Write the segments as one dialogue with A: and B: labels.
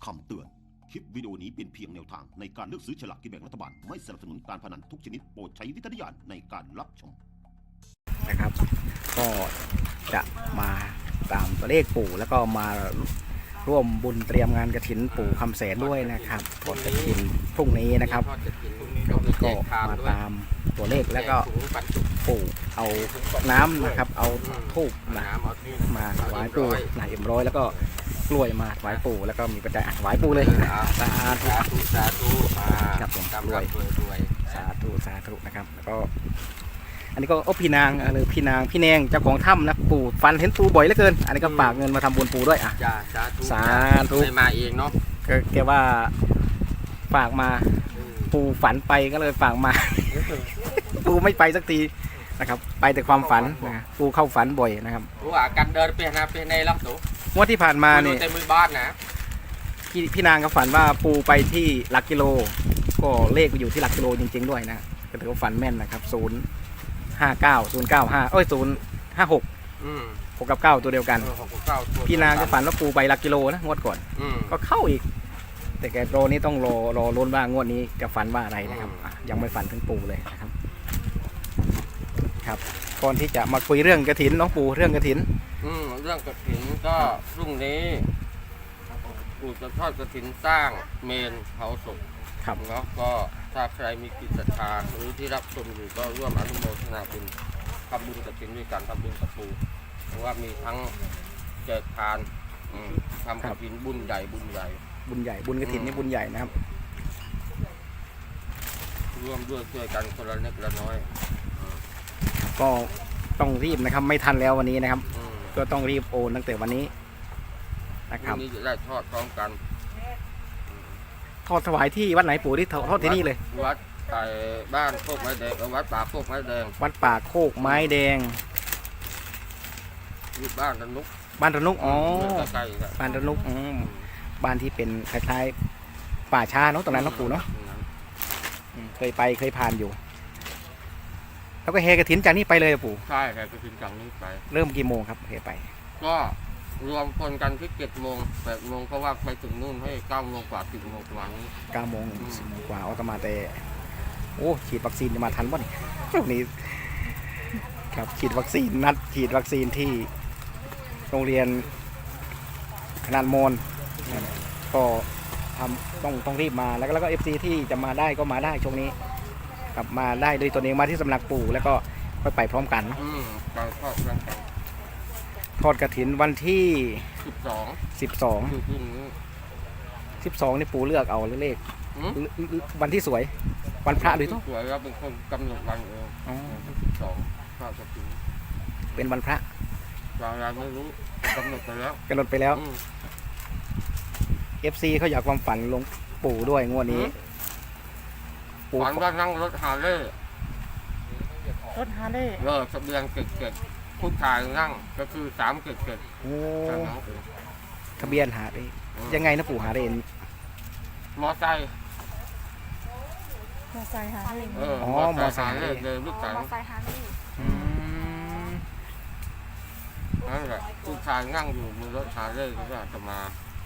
A: คำเตือนคลิปวิดีโอนี้เป็นเพียงแนวทางในการเลือกซื้อฉลากกินแบ่งรัฐบาลไม่สนับสนุนการพนันทุกชนิดโปรดใช้วิจารณญาณในการรับชม
B: นะครับก็จะมาตามตัวเลขปู่แล้วก็มาร่วมบุญเตรียมงานกฐินปู่คำแสนด้วยนะครับทอดกฐินพรุ่งนี้นะครับก็มาตามตัวเลขแล้วก็ปู่เอาน้ำนะครับเอาธูปนะมาถวายปู่นาย100แล้วก็กล้วยมาถวายปู่แล้วก็มีปัจจัยถวายปู่เลยสาธุ
C: สาธุ
B: ครับผมรวยสาธุนะครับแล้วก็อันนี้ก็พี่นางหรือพี่นางพี่แนงเจ้าของถ้ำนะปู่ฝันเห็นปู่บ่อยเหลือเกินอันนี้ก็ฝากเงินมาทำบุญปู่ด้วยอ่ะสาธุ
C: ไม่มาเองเนาะ
B: แกว่าฝากมาปู่ฝันไปก็เลยฝากมาปู่ไม่ไปสักทีนะครับไปแต่ความฝันนะปู่เข้าฝันบ่อยนะครับ
C: รู้ว่าการเดินไปหาไปในลักษณะ
B: งวดที่ผ่านมาเนี่ย
C: เต็มมือบ้านนะ
B: พี่นางก็ฝันว่าปู่ไปที่หลักกิโลก็เลขอยู่ที่หลักกิโลจริงๆด้วยนะก็ถือว่าฝันแม่นนะครับ059 056 6 กับ 9ตัวเดียวกันพี่นางก็ฝันว่าปูไปหลักกิโลนะงวดก่อนก็เข้าอีกแต่แกโปรนี้ต้องรอลุ้นว่างวดนี้จะฝันว่าอะไรนะครับยังไม่ฝันถึงปูเลยนะครับครับก่อนที่จะมาคุยเรื่องกฐินน้องปูเรื่องกฐิน
C: เรื่องกฐินก็พรุ่งนี้ปู่จะทอดกฐินสร้างเมนเผาศพเนาะก็ถ้าใครมีจิตศรัทธาหรือที่รับชมอยู่ก็ร่วมอนุโมทนาบุญทำบุญกฐินด้วยกันทำบุญกับปู่เพราะว่ามีทั้งแจกทานทำกฐินบุญใหญ่บุญก
B: ฐินนี่บุญใหญ่นะครับ
C: ร่วมด้วยช่วยกันคนละเล็กละน้อย
B: ก็ต้องรีบนะครับไม่ทันแล้ววันนี้นะครับก็ต้องรีบโอนตั้งแต่วันนี้นะครับ
C: วันนี้จะได้ทอดพร้อมกัน
B: ทอดถวายที่วัดไหนปู่ที่ทอดที่นี่เลย
C: วัดไก่บ้านโคกไม้แดงวัดป่าโคกไม้แดง
B: วัดป่าโคกไม้แดง
C: อยู่บ้านระนุก
B: อ๋อบ้านระนุกบ้านที่เป็นคล้ายๆป่าช้าเนาะตรงนั้นเนาะปู่เนาะเคยผ่านอยู่แล้วก็เฮกฐินจากนี้ไปเลยปู่
C: ใช่เฮกฐินจากนี้ไป
B: เริ่มกี่โมงครับเฮไป
C: ก็รวมคนกันที่7 โมง 8 โมงเพราะว่าไปถึงนู่นให้9 โมงกว่า10 โมงประมาณนี้
B: 9 โมง 10 โมงกว่าจะมาแต่โอ้ฉีดวัคซีนจะมาทันป่ะนี่ช่วงนี้ครับฉีดวัคซีนนัดฉีดวัคซีนที่โรงเรียนขนาดมอนก็ต้องรีบมาแล้วก็ FC ที่จะมาได้ก็มาได้ช่วงนี้กลับมาได้โดยตัวเองมาที่สำนักปู่แล้วก็ค่อยไปพร้อมกันทอดกฐินวันที่12นี่ปู่เลือกเอาเลขวันที่สวยวันพระหรือ
C: สวยครับเป็นคนกำหนดวันเอง12พระกฐิน
B: เป็นวันพระ
C: เราไม่รู้กำหนดไป
B: แล้วFC เขาอยากความฝันลงปู่ด้วยงวดนี้
C: ฝันว่านั่งรถฮาร์เลย์ทะเบียนเกิดผู้ชายนั่งก็คือ377
B: โอ้ทะเบียนหาได้ยังไงนะปู่หาเรน
C: มอไซค์
D: หาเรน
C: มอไซค์เดินลูกสาว
D: มอไซค์หาเรน
C: นั่นแหละผู้ชายนั่งอยู่บนรถฮาร์เลย์ก็จะมา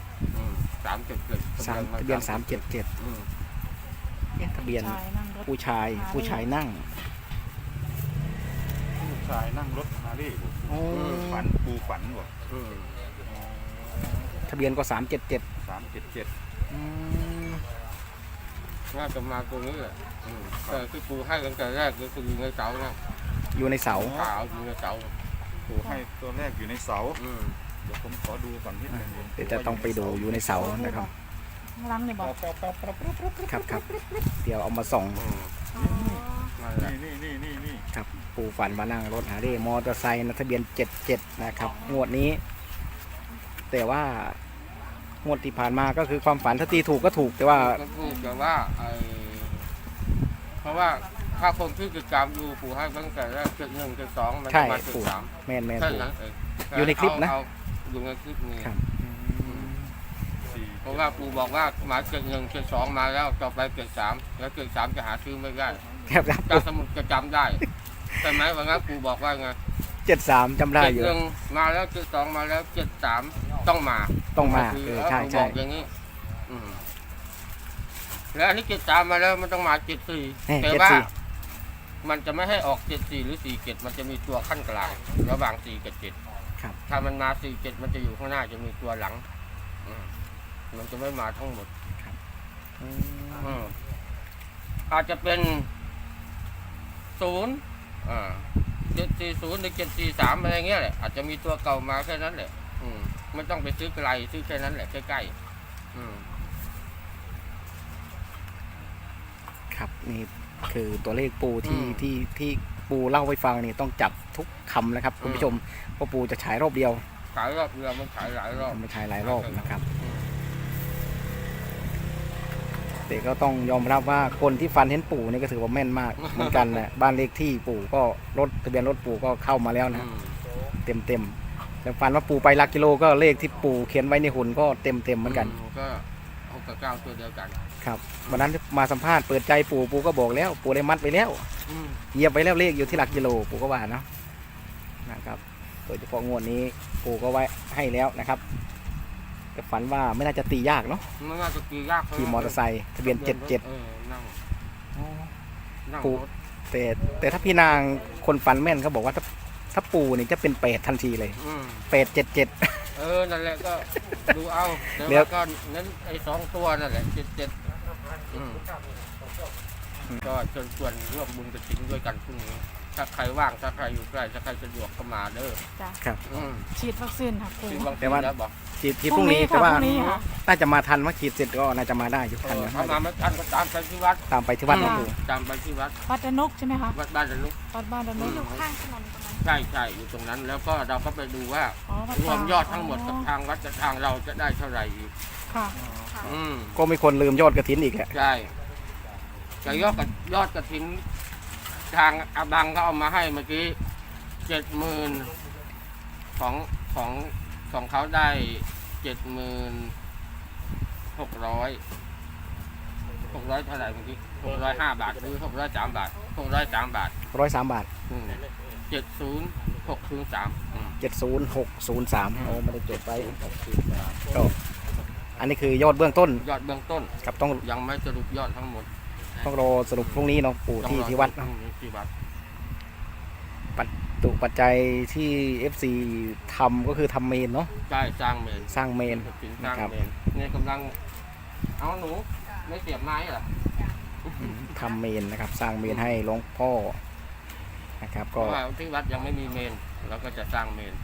C: 377
B: ทะเบียน377ทะเบียนผู้ชายนั่ง
E: รถฮาร์เลย์ปูฝันบ่
B: ทะเบียนก็377
C: น่าจะมาตรงนี้แหละแต่ที่ปูให้ตั้งแต่แรกก็คืออยู่ในเสานะ
B: อยู่ในเสา
C: อยู่ในเสา
E: ปูให้ตัวแรกอยู่ในเสาเดี๋ยวผมขอดูก่อนนิดนึง
B: เดี๋ยวจะต้องไปดูอยู่ในเสานะครับ
D: ล้างเลยบอก
B: ครับเดี๋ยวเอามาส่อง
E: นี่
B: ครับปู่ฝันมานั่งรถหาเร่มอเตอร์ไซค์ทะเบียน77นะครับงวดนี้แต่ว่างวดที่ผ่านมาก็คือความฝันถ้าตีถูกก็ถูกแต่ว่า
C: เพราะว่าถ้าคนที่กิจกรรมดูปู่ให้ตั้งแต่แรก71 72มันจะมา
B: 73แม่นปู่
C: อยู่ในคลิปนะอยู่ในคลิปนี้เพราะว่าปู่บอกว่ามา71 72มาแล้วต่อไป73แล้ว73จะหาซื้อไม่ได้การสมุดจะจำได้ใช่ไหมว่างั้นปู่บอกว่าไง
B: 73จำได้อยู่
C: 71มาแล้ว72มาแล้ว73ต้องมา
B: ใช่
C: บอกอย่างนี้แล้วอันนี้73มาแล้วมันต้องมา74แต่ว่ามันจะไม่ให้ออก74หรือ47มันจะมีตัวขั้นกลางระหว่าง4กับ7
B: ครับ
C: ถ้ามันมา47มันจะอยู่ข้างหน้าจะมีตัวหลังมันจะไม่มาทั้งหมดอาจจะเป็น0 740หรือ743อะไรเงี้ยแหละอาจจะมีตัวเก่ามาแค่นั้นแหละไม่ต้องไปซื้อไกลซื้อแค่นั้นแหละใกล้ๆ
B: ครับนี่คือตัวเลขปูที่ปูเล่าให้ฟังนี่ต้องจับทุกคำนะครับคุณผู้ชมเพราะปูจะฉายรอบเดียว
C: ฉายรอบเดียวมันฉายหลายรอบ
B: ไม่ฉายหลายรอบนะครับแต่ก็ต้องยอมรับว่าคนที่ฟันเห็นปู่นี่ก็ถือว่าแม่นมากเหมือนกันนะบ้านเลขที่ปู่ก็รถทะเบียนรถปู่ก็เข้ามาแล้วนะเต็มแล้วฟันว่าปู่ไปหลักกิโลก็เลขที่ปู่เขียนไว้ในหุ่นก็เต็มเหมือนกัน
C: ก็6 กับ 9ตัวเดียวกัน
B: ครับวันนั้นมาสัมภาษณ์เปิดใจปู่ก็บอกแล้วปู่ได้มัดไปแล้วเหยียบไปแล้วเลขอยู่ที่หลักกิโลปู่ก็ว่าเนาะนะครับโดยเฉพาะงวดนี้ปู่ก็ไว้ให้แล้วนะครับแต่ฝันว่าไม่น่าจะตียากเนาะ
C: ไม่น่าจะตียาก
B: ขี่มอเตอร์ไซค์ทะเบียน77ปู่แต่ถ้าพี่นางคนฝันแม่นเขาบอกว่าถ้าปู่นี่จะเป็น8ทันทีเลย877
C: นั่นแหละก็ดูเอาแล้วก็นั้นไอ้2ตัวนั่นแหละ77ก็เชิญชวนร่วมบุญกฐินด้วยกันพรุ่งนี้ถ้าใครว่างถ้าใครอยู่ใกล้ถ้าใครสะดวกก็มาเด้อ
B: ครับ
D: ฉีดวัคซีนค่ะครู
B: แต่ว่าฉีดพรุ่งนี้แต่ว่าน่าจะมาทันว่าฉีดเสร็จก็น่าจะมาได้อยู่ทันนะ
C: ถ้ามาไม่ทันก็ตามไปที่วัด
B: นะครู
C: ตามไปที่วัด
D: ดนกใช่ไหมคะ
C: วัดบ้านดนก
D: อยู่ข้างถนนตรงนั้น
C: ใช่อยู่ตรงนั้นแล้วก็เราก็ไปดูว่ารวมยอดทั้งหมดกับทางวัดกับทางเราจะได้เท่าไหร่อีก
D: ค่ะ
B: ก็มีคนลืมยอดกฐินอีกแหละ
C: ใช่แต่ยอดกฐินทางอาบังเขาเอามาให้เมื่อกี้70,000ของเขาได้76,600เท่าไหร่เมื่อกี้605 บาทหรือ603 บาท603 บาท
B: 103 บาท
C: 70603
B: โอ้ไม่ได้จดไปก็อันนี้คือยอดเบื้องต้นกับต้อง
C: ยังไม่สรุปยอดทั้งหมด
B: ต้องรอสรุปพรุ่งนี้เนาะปู่ที่วัดปัจจัยที่ FC ทำก็คือทำเมนเนาะ
C: ใช่สร้างเมน
B: นะครับ
C: เนี่ยกำลังเอาหนูไม่เสียบไม้เหรอ
B: ทำเมนนะครับสร้างเมนให้หลวงพ่อนะครับก็
C: ที่วัดยังไม่มีเมนแล้วก็จะสร้างเมน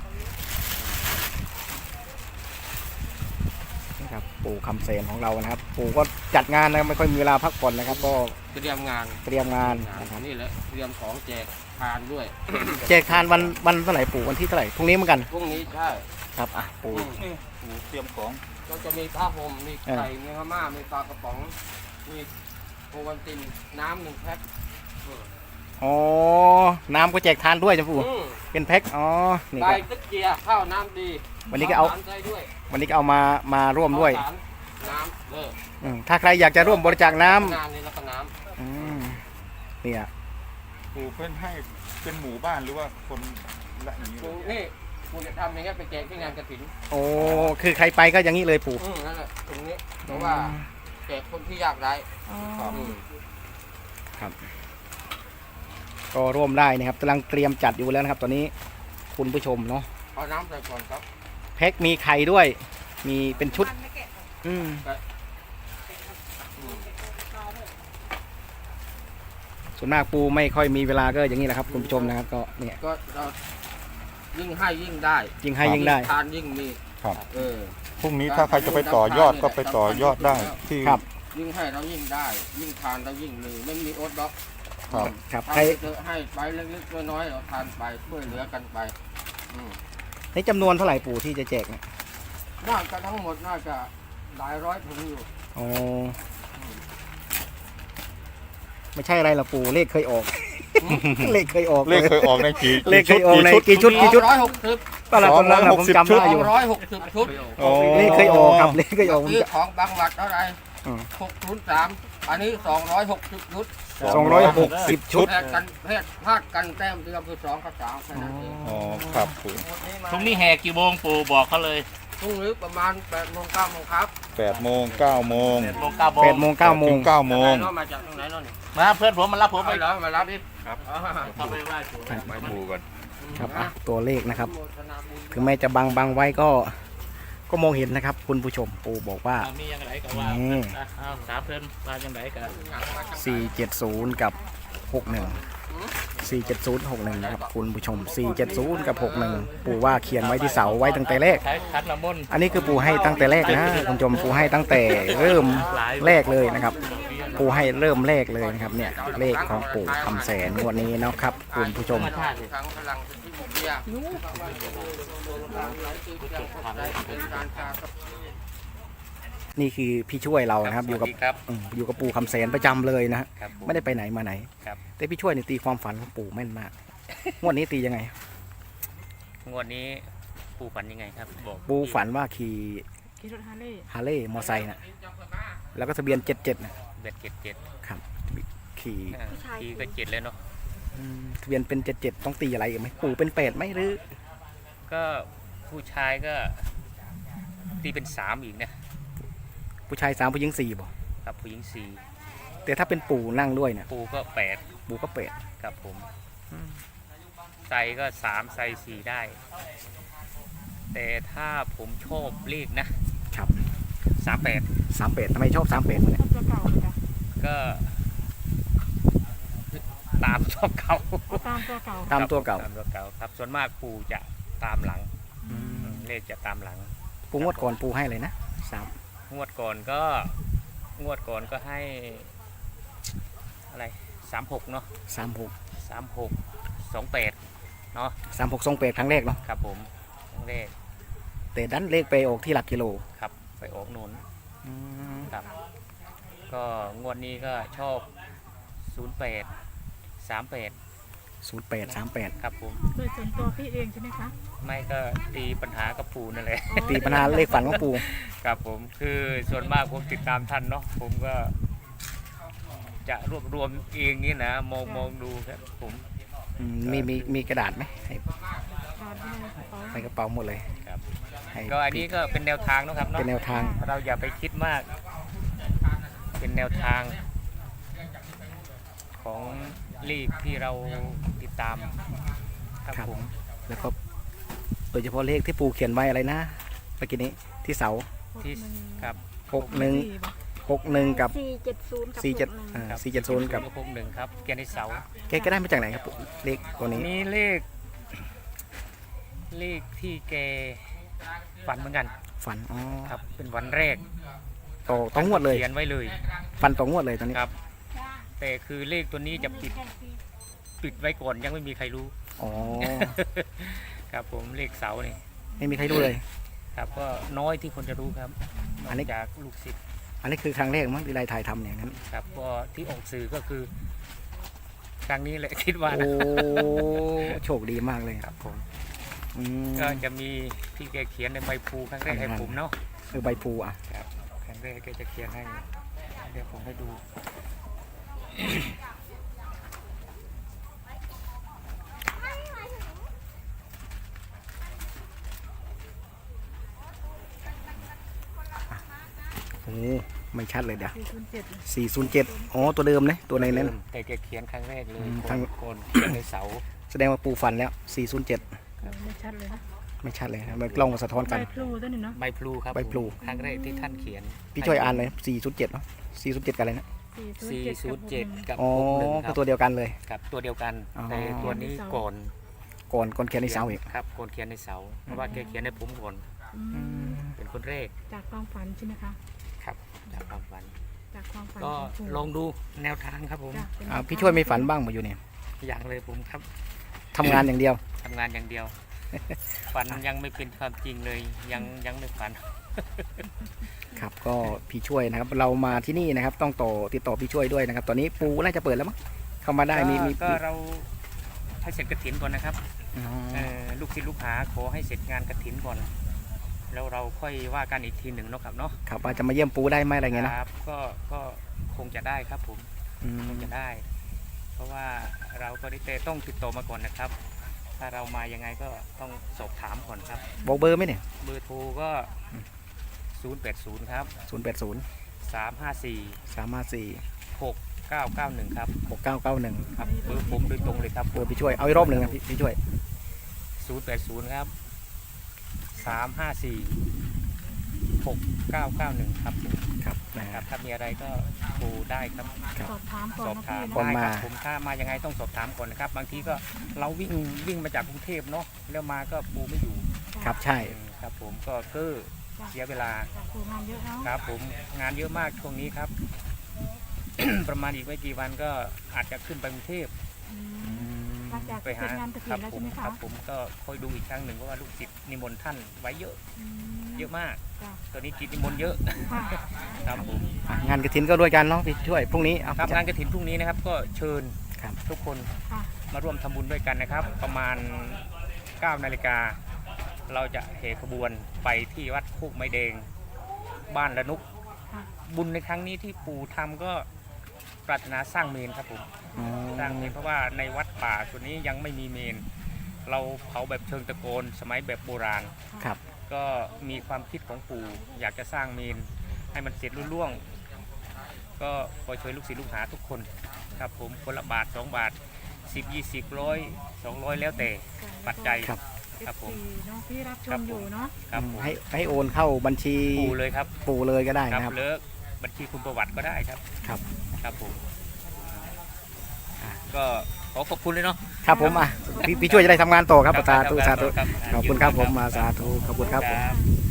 B: นะครับปู่คำเสนของเรานะครับปู่ก็จัดงานนะไม่ค่อยมีเวลาพักผ่อนนะครับก็
C: เตรียมงาน
B: นะครับ
C: นี่แหละเตรียมของแจกทานด้วย
B: แจกทานวันเท่าไหร่ปู่วันที่เท่าไหร่พรุ่งนี้เหมือนกัน
C: พรุ่งนี้ใช่
B: ครับปู่
E: เตรียมของ
C: ก็จะมีผ้าห่มมีไก่มีข้าวม่ามีปลากระป๋องมีโอวัลตินน้ำ1 แพ็ค
B: น้ำก็แจกทานด้วยจ้ะปู่เป็นแพ็ค
C: นี่ก็ตะเกียร์ข้าวน้ำดี
B: วันนี้ก็เอาวันนี้ก็เอามาร่วมด้วย
C: น้ำ
B: ถ้าใครอยากจะร่วมบริจาคน้ำ
C: นี่แล้วก็น้
B: ำเนี่ย
E: ปู่เพื่อนให้เป็นหมู่บ้านหรือว่าคนละอย่างนี้
C: นี่ปู่จะทำอย่างเงี้ยไปแจกที่งานกฐิน
B: คือใครไปก็อย่างนี้เลยปู่
C: นั่นแหละตรงนี้เพราะว่าแจกคนที่ยากไร้
B: ครับก็ร่วมได้นะครับกำลังเตรียมจัดอยู่แล้วนะครับตอนนี้คุณผู้ชมเนาะ
C: เอาน้ำใส่ก่อนครับ
B: แพ็คมีไข่ด้วยมีเป็นชุดส่วนมากปูไม่ค่อยมีเวลาก็อย่างนี้แหละครับคุณผู้ชมนะครับก็เนี่ย
C: ก็ยิ่งให้ยิ่งได้ทานยิ่งมี
E: ครับพรุ่งนี้ถ้าใครจะไปต่อยอดก็ไปต่อยอดได้ที่
C: ยิ่งให้เรายิ่งได้ยิ่งทานเรายิ่งมีไม่มีอดด็อก
B: ครับ
C: ใครจะให้ไปเล็กๆน้อยๆเราทานไปช่วยเหลือกันไป
B: ในจำนวนเท่าไหร่ปู่ที่จะแจกเนี่ย
C: น่าจะทั้งหมดน่าจะหลายร้อยถุงอยู่
B: ไม่ใช่อะไรหรอกปู่เลขเคยออกเลขเคยออก
E: ในกี่
B: เลขเคยออกในกี่ชุด
C: 160
B: ก็แล้วผมจำได้อยู่
C: 160 ชุด
B: เลขเคยออกครับเลขเคยออก
C: ซื้อของบางวัดเท่าไหร่603อันนี้260 ชุด
B: 260 ชุด
C: พลาดกันแต้มเดียวคือ2 กับ 3แค่นั้นเอง
E: ครับปู่
F: พรุ่งนี้แห่กี่โมงปู่บอกเขาเลย
C: พรุ่งนี้ประมาณ8 โมง 9 โมงครับ
E: 8 โมง 9 โมง
F: 8 โมง 9 โมง
B: 8 โมง 9 โมง
E: 9 โมง
C: ไหนเนาะมาจากตรงไหนเนาะนี่
F: มาเพื่อนผมมารับผม
C: ไป
F: ไป
C: เหรอมารับดิ
E: ครับ
F: เข้าไปไหว้ปู่
E: ไปดูก่อน
B: ครับอ่ะตัวเลขนะครับ
C: โมทนาบุญ
B: ถึงแม้จะบังไว้ก็มองเห็นนะครับ คุณผู้ชมปู่บอกว่า
F: มียังไงก็ว่า
B: นี่
F: เอาถามเพื่อนมาจังไหนกัน
B: 470 กับ 61 470 61นะครับคุณผู้ชม 470 กับ 61 ปู่ว่าเขียนไว้ที่เสาไว้ตั้งแต่แรก
F: ใช้คัดละมุน
B: อันนี้คือปู่ให้ตั้งแต่แรกนะคุณผู้ชมปู่ให้ตั้งแต่เริ่มแรกเลยนะครับ ปู่ให้เริ่มแรกเลยนะครับเนี่ยเลขของปู่คำแสนงวดนี้นะครับคุณผู้ชม
F: ธรรมชาติ
C: ครั้งพลังที่บุญเบียร์การกากับ
B: นี่คือพี่ช่วยเรานะครับอยู่กับ
F: ครับ
B: อยู่กับปู่คำแสนประจำเลยนะฮะ
F: ครับ
B: ไม่ได้ไปไหนมาไหน
F: ครับ
B: แต่พี่ช่วยเนี่ยตีความฝันของปู่แม่นมากงวดนี้ตียังไง
F: งวดนี้ปู่ฝันยังไงครับบอก
B: ปู่ฝันว่าขี่
D: ขี่รถฮาร์เลย์
B: ฮาร์เลย์มอไซค์นะแล้วก็ทะเบียน77นะ
F: เบ็ด7
B: ครับขี่
F: 7ทีก็7เลยเนาะ
B: ทะเบียนเป็น77ต้องตีอะไรอีกไหมปู่เป็น8ไหมหรือ
F: ก็ผู้ชายก็ตีเป็น3อีกนะ
B: ผู้ชาย3ผู้หญิง4บ่
F: ครับผู้หญิง
B: แต่ถ้าเป็นปู่นั่งด้วยเนี่ย
F: 4ปู่ก็8
B: ปู่ก็8
F: ครับผมใส่ก็3ใส่4ได้ แต่ถ้าผมชอบเลขนะครับ 38
B: 38ทำไมชอบ38วะเนี่ย
D: ตัวเก่าเลยจ้ะ
F: ก็ตามชอบเขา
D: เอาตามตัวเก่า
B: ตามตัวเก่า
F: ตามตัวเก่าครับส่วนมากปู่จะตามหลังเลขจะตามหลัง
B: ปู่งวดก่อนปู่ให้เลยนะ
F: งวดก่อนก็ให้อะไร36เนาะ
B: 36
F: 36 28เนาะ
B: 3628ครั้งแรกเนาะ
F: ครับผมครั้งแรก
B: แต่ดันเลขไปออกที่หลักกิโล
F: ครับไปออกหนุนครับ ก็งวดนี้ก็ชอบ08 38
B: 0838
F: ครับผม
D: โดยส่วนตัวพี่เองใช่ไหมคะ
F: ไม่ก็ตีปัญหากับปู่นั่นแหละ
B: ตีปัญหาเลขฝันของปู่
F: ครับผมคือส่วนมากผมติดตามท่านเนาะผมก็ จะรวบรวมเองนี่นะมองดูครับผม
B: มีกระดาษไหมให้
D: ตามที่ในกระเป๋า
B: ในกระเป๋าหมดเลย
F: ครับ
B: ให้
F: ก็อันนี้ก็เป็นแนวทางเนาะครับเนาะ
B: เป็นแนวทาง
F: เราอย่าไปคิดมาก เป็นแนวทางของลีกที่เราติดตามครับ
B: ครับ
F: ผม
B: แล้วก็โดยเฉพาะเลขที่ปู่เขียนไว้อะไรนะเมื่อกี้นี้ที่เสา
F: ที่ครับ
B: 61กับ
D: 470 กับ
B: 47
F: ครับ
B: 470กับ
F: 61ครับเกียรติเสา
B: แกก็ได้มาจากไหนครับปู่เลขตัวนี้
F: มีเลขที่แกฝันเหมือนกัน
B: ฝันอ๋อ
F: ครับ เป็นวันแรก
B: ต่องวดเลย
F: เขียนไว้เลย
B: ฝันต่องวดเลยตอนนี้
F: ครับ แต่คือเลขตัวนี้จะปิดไว้ก่อนยังไม่มีใครรู้
B: อ๋อ
F: ครับผมเลขเสานี่
B: ไม่มีใครรู้เลย
F: ครับก็น้อยที่คนจะรู้ครับน
B: อั
F: อน
B: นี้
F: กจากลูกศิษย์
B: อันนี้คือครั้งแรกมั้งที่ได้ถ่ายทำอย่างนั้น
F: ครับก็ที่ออกสื่อก็คือ ครั้งนี้แหละ คิดว่า
B: โอ้
F: นะ
B: โชคดีมากเลย
F: ครับผม
B: อืม
F: ก็จะมีที่แกเขียนในใบพลูครั้งแรกให้ผมเนาะ
B: ใบพลูอ่ะ
F: ครับครั้งแรกแกจะเขียนให้เดี๋ยวผมให้ดู
B: โอ้ไม่ชัดเลยเดี๋ยว
D: 407
B: 407อ๋อตัวเดิมนะตัวในนั้น
F: แต่แกเขียนครั้งแรกเลย
B: ทั้ง
F: คนเขียนในเสา
B: แสดงว่าปูฟันแล้ว 407
D: ไม่ชัดเลยนะ
B: ไม่ชัดเลยนะมันกล้องมาสะท้อน
D: ใบ
B: กัน
D: พลูตัวนี้เนาะ
F: ใบพลูครับ
B: ใบพลู
F: ครั้งแรกที่ท่านเขียน
B: พี่ช่วยอ่านเลย407เนาะ407กันเลยนะ
F: 407 กับ
B: อ๋อ
F: 61ค
B: คื
F: รั
B: อบ ตัวเดียวกันเลย
F: ครับตัวเดียวกัน
B: อ๋อ
F: แต่ตัวนี้ก่อน
B: ก่อนเขียนในเสาอีก
F: ครับก่อนเขียนในเสาเพราะว่าแกเขียนในผมก่อน
D: อืม
F: เป็นคนแรก
D: จากความฝันใช่ไหมคะ
F: ครับจากความฝัน
D: จากความฝัน
F: ก็
D: ของปู่
F: ลองดูแนวทางครับผม
D: จ้ะเป็น
B: พี่ช่วยไม่ฝันบ้างมาอยู่เนี่ย
F: อย่างเลยผมครับ
B: ทำงานอย่างเดียว
F: ทำงานอย่างเดียว ฝันยังไม่เป็นความจริงเลยยังไม่ฝัน
B: ครับก็พี่ช่วยนะครับ เรามาที่นี่นะครับ ต้องติดต่อพี่ช่วยด้วยนะครับ ตอนนี้ปูน่าจะเปิดแล้วมั้งเข้ามาได้มี
F: ก็เราให้เสร็จกฐินก่อนนะครับ
B: อ๋อ
F: ลูกศิษย์ลูกหาขอให้เสร็จงานกฐินก่อน แล้วเราค่อยว่ากันอีกทีหนึ่งเนาะครับเนาะ
B: ครับว่าจะมาเยี่ยมปูได้ไหมอะไรเงี้ยนะครับ
F: ก็คงจะได้ครับผม
B: อืม
F: คงจะได้ เพราะว่าเราก็ได้แต่ต้องติดต่อมาก่อนนะครับถ้าเรามายังไงก็ต้องสอบถามก่อนครับ
B: บอกเบอร์ไหมเนี่ย
F: เบอร์โทรก็ 080 ครับ
B: 080
F: 354
B: 354
F: 6991 ครับ
B: 6991
F: ครับเบอร์ผมโดยตรงเลยครับ
B: เบอร์พี่ช่วยเอาอีกรอบหนึ่งนะพี่ช่วย
F: 080 ครับ 354 6991 ครับ
B: ครับนะ
F: ค
B: ค
F: รั
B: รั
F: บบ ถ้ามีอะไรก็โทรได้ครับ
D: สอบถามก่อน
F: สอบ
D: นะ
F: ถาม
D: พี่
B: ก่อน
D: นะ
B: มา
F: ได้ครับผมถ้ามายังไงต้องสอบถามก่อนนะครับ บางทีก็เราวิ่งมาจากกรุงเทพเนาะแล้วมาก็ปูไม่อยู่
B: ครับใช่
F: ครับผมก็เสียเวลา
D: จากครูงานเยอะเนาะ
F: ครับผมงานเยอะมากช่วงนี้ครับ ประมาณอีกไม่กี่วันก็อาจจะขึ้นไปกรุงเทพ
D: อืมหลังจาก
F: ไป
D: เสร็
F: หา
D: จงานกระถิ่
F: ครั
D: นแล้ว
F: ผ
D: ใช่
F: ม
D: ไหม
F: ค
D: คะ
F: รับผมก็คอยดูอีกครั้งหนึ่งเพราะว่าลูกศิษย์นิมนต์ท่านไว้เยอะ
D: อืม
F: เยอะมาก
D: จ้ะ
F: ตอนนี้กิจนิมนต์เยอะ
D: ค่ะ
F: ครับผม
B: งานกระถินก็ด้วยกันเนาะพี่ช่วยพรุ่งนี้เอา
F: ครับงานกฐินพรุ่งนี้นะครับก็เชิญ
B: ครับ
F: ทุกคน
D: ค่ะ
F: มาร่วมทำบุญด้วยกันนะครับ ประมาณ 9 นาฬิกาเราจะเหขบวนไปที่วัดโคกไม้แดงบ้านละนุก
D: ค่ะ
F: บุญในครั้งนี้ที่ปู่ทำก็ปรารถนาสร้างเมนครับผม
B: อ๋อ
F: สร้างเมนเพราะว่าในวัดป่าส่วนนี้ยังไม่มีเมน เราเผาแบบเชิงตะโกนสมัยแบบโบราณ
B: ครับ
F: ก็มีความคิดของปู่อยากจะสร้างเมนให้มันเสร็จรุ่ล่วง ก็ขอช่วยลูกศิษย์ลูกหาทุกคนครับผมคนละบาท2 บาท 10 20 100 200 แล้วแต่ปัจจัย
B: ครับ
F: ครับผม
D: เนาะที่รับช
F: ครั
D: ม
F: บผม
D: อยู่เนาะ
F: ครับผม
B: ให้โอนเข้าบัญชี
F: ปู่เลยครับ
B: ปู่เลยก็ได้
F: ครับ
B: นะครับ
F: เลิกบัญชีคุณประวัติก็ได้ครับ
B: ครับ
F: ครับผมก็ขอขอบคุณเลยเนาะ
B: ครับผมพี่ช่วยจะได้ทำงานต่อครับสาธุสาธุ
F: ครับ
B: ขอบคุณครับผมมาสาธุขอบคุณครับผม
F: ครับ